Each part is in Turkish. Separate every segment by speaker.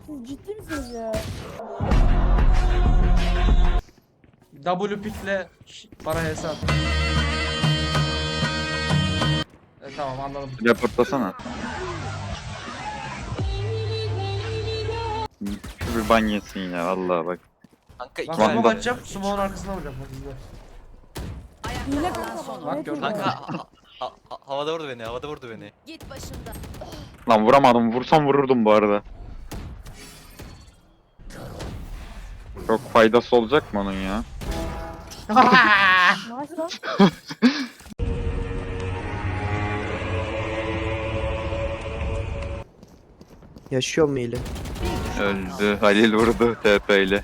Speaker 1: Siz ciddi misiniz ya?
Speaker 2: W pickle para hesap. Tamam anladım.
Speaker 3: Reportlasana. Şu bir ban yesin ya vallahi bak.
Speaker 4: Kanka iki
Speaker 2: Ben
Speaker 3: Tamam,
Speaker 2: smoke
Speaker 3: bak.
Speaker 2: atacağım. Smoke'un arkasına vuracağım. Bak izle.
Speaker 1: Hile kanka.
Speaker 2: Bak
Speaker 1: net
Speaker 2: gördün
Speaker 1: hile.
Speaker 2: mü?
Speaker 4: Kanka havada vurdu beni, havada vurdu beni.
Speaker 5: Git başımdan.
Speaker 3: Lan vuramadım. Vursam vururdum bu arada. Çok faydası olacak mı onun ya?
Speaker 1: Nice lan.
Speaker 6: Yaşıyor mu ile?
Speaker 3: Öldü. Halil vurdu TP ile.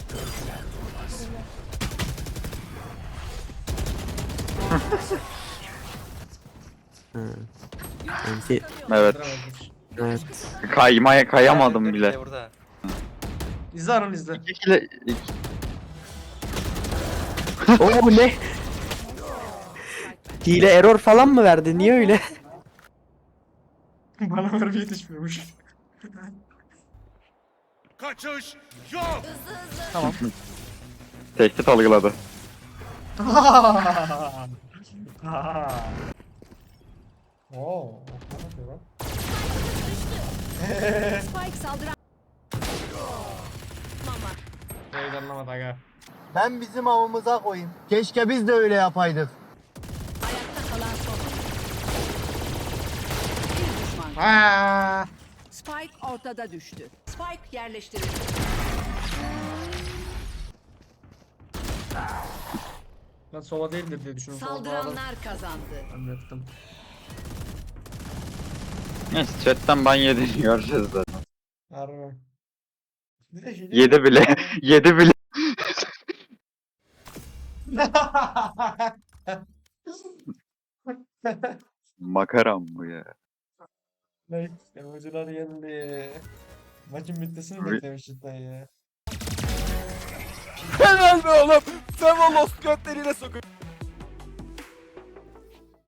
Speaker 6: Ha. Enti.
Speaker 3: Evet.
Speaker 6: Evet.
Speaker 3: Kayamadım bile.
Speaker 4: Burada.
Speaker 2: İzle Arun izle.
Speaker 6: Oo bu ne? Hile error falan mı verdi? Niye öyle?
Speaker 2: Bana mermi yetişmiyormuş.
Speaker 7: Kaçış yok.
Speaker 2: Tamam.
Speaker 3: Tehdit algıladı.
Speaker 2: Oo, ne yapıyor lan?
Speaker 5: Spike saldıran. Mama.
Speaker 2: Şeyi anlamadı aga.
Speaker 8: Ben bizim avımıza koyayım. Keşke biz de öyle yapaydık.
Speaker 5: Ayakta kalan son. Bir düşman.
Speaker 2: Aa!
Speaker 5: Spike ortada düştü. Spike yerleştirildi.
Speaker 2: Ben sola değildir diye düşünüyorum. Sola doğru.
Speaker 5: Saldıranlar kazandı.
Speaker 2: Anlattım.
Speaker 3: Neyse chatten ban yediğini göreceğiz zaten.
Speaker 2: Harbi. Bir de hile-
Speaker 3: Yedi bile. Yedi bile. Makaram bu ya.
Speaker 2: Ne? Emojiler yendi. Maçın bitmesini
Speaker 3: Abi-
Speaker 2: beklemiş cidden ya.
Speaker 7: Helal be oğlum. Sevolos götleriyle sokun.